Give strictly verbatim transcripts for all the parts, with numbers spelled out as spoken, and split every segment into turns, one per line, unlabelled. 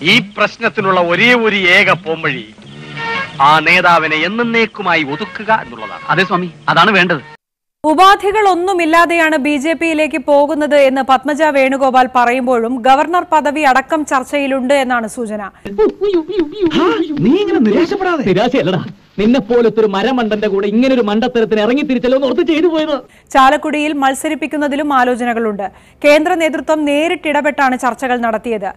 ഈ പ്രശ്നത്തിനുള്ള ഒരേ ഒരു ഏക പോംവഴി ആ നേതാവിനെ എന്നേക്കുമായി ഒതുക്കുക എന്നുള്ളതാണ്.
അതെ സ്വാമി, അതാണ് വേണ്ടത്.
ഉപാധികളൊന്നുമില്ലാതെയാണ് ബി ജെ പിയിലേക്ക് പോകുന്നത് എന്ന് പത്മജ വേണുഗോപാൽ പറയുമ്പോഴും ഗവർണർ പദവി അടക്കം ചർച്ചയിലുണ്ട് എന്നാണ് സൂചന.
നിരാശയല്ലടാ, നിന്നെ പോലത്തെ ഒരു മരമണ്ടന്റെ കൂടെ ഇങ്ങനൊരു മണ്ടത്തരത്തിന് ഇറങ്ങി തിരിച്ചല്ലോ ഓർത്ത് ചെയ്തു പോയത്.
ചാലക്കുടിയിൽ മത്സരിപ്പിക്കുന്നതിലും ആലോചനകളുണ്ട്. കേന്ദ്ര നേതൃത്വം നേരിട്ടിടപെട്ടാണ് ചർച്ചകൾ നടത്തിയത്.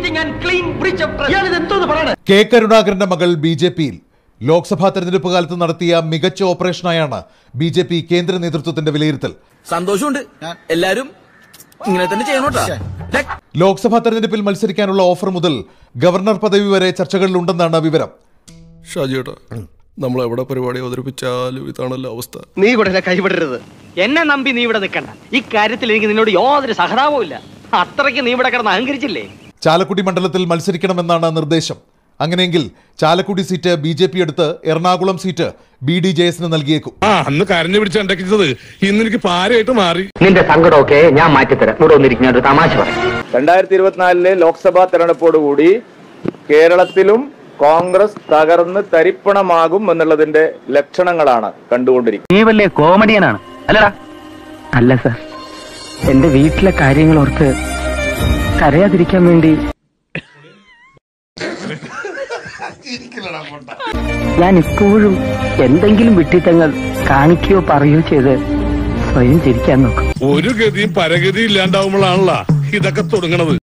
കെ കരുണാകരന്റെ മകൾ ബി ജെ പിയിൽ ലോക്സഭാ തെരഞ്ഞെടുപ്പ് കാലത്ത് നടത്തിയ മികച്ച ഓപ്പറേഷനായാണ് ബി ജെ പി കേന്ദ്ര നേതൃത്വത്തിന്റെ വിലയിരുത്തൽ.
സന്തോഷമുണ്ട്, എല്ലാരും ഇങ്ങനെ തന്നെ ചെയ്യണോട്ടാ.
ലോക്സഭാ തെരഞ്ഞെടുപ്പിൽ മത്സരിക്കാനുള്ള ഓഫർ മുതൽ ഗവർണർ പദവി വരെ ചർച്ചകളിലുണ്ടെന്നാണ് വിവരം.
ഷാജിയേട്ടാ, നമ്മൾ എവിടെ പരിപാടി അവതരിപ്പിച്ചാലും ഇതാണല്ലോ അവസ്ഥ.
നീ കൂടെ കൈവിടരുത്. എന്നെ നമ്പി നീ ഇവിടെ നിൽക്കണ്ട. ഈ കാര്യത്തിൽ എനിക്ക് നിന്നോട് യാതൊരു സഹതാപവും ഇല്ല. അത്രയ്ക്ക് നീ ഇവിടെ കിടന്ന് അഹങ്കരിച്ചില്ലേ.
ചാലക്കുടി മണ്ഡലത്തിൽ മത്സരിക്കണമെന്നാണ് നിർദ്ദേശം. അങ്ങനെയെങ്കിൽ Chalakudy seat B J P എടുത്ത് Ernakulam seat B D J എസിന് നൽകിയേക്കും.
അന്ന് കരഞ്ഞു പിടിച്ചത് ഇന്ന് എനിക്ക് പാരയായിട്ട് മാറി.
നിന്റെ സങ്കടമൊക്കെ ഞാൻ മാറ്റിത്തരാം. ഇവിടെ വന്നിരിക്കുന്ന ഒരു തമാശ പറയും.
രണ്ടായിരത്തി ഇരുപത്തിനാലിലെ ലോക്സഭാ തെരഞ്ഞെടുപ്പോടുകൂടി കേരളത്തിലും കോൺഗ്രസ് തകർന്ന് തരിപ്പണമാകും എന്നുള്ളതിന്റെ ലക്ഷണങ്ങളാണ് കണ്ടുകൊണ്ടിരിക്കുന്നത്.
നീ വലിയ കോമഡിയനാണ് അല്ലടാ? അല്ല സർ, എന്റെ വീട്ടിലെ കാര്യങ്ങൾ ഓർത്ത് കരയാതിരിക്കാൻ വേണ്ടി ഞാൻ ഇപ്പോഴും എന്തെങ്കിലും വിട്ടിത്തങ്ങൾ കാണിക്കുകയോ പറയുകയോ ചെയ്ത് സ്വയം ചിരിക്കാൻ നോക്കും.
ഒരു ഗതിയും പരഗതിയും ഇല്ലാണ്ടാവുമ്പോഴാണല്ലോ ഇതൊക്കെ തുടങ്ങണത്.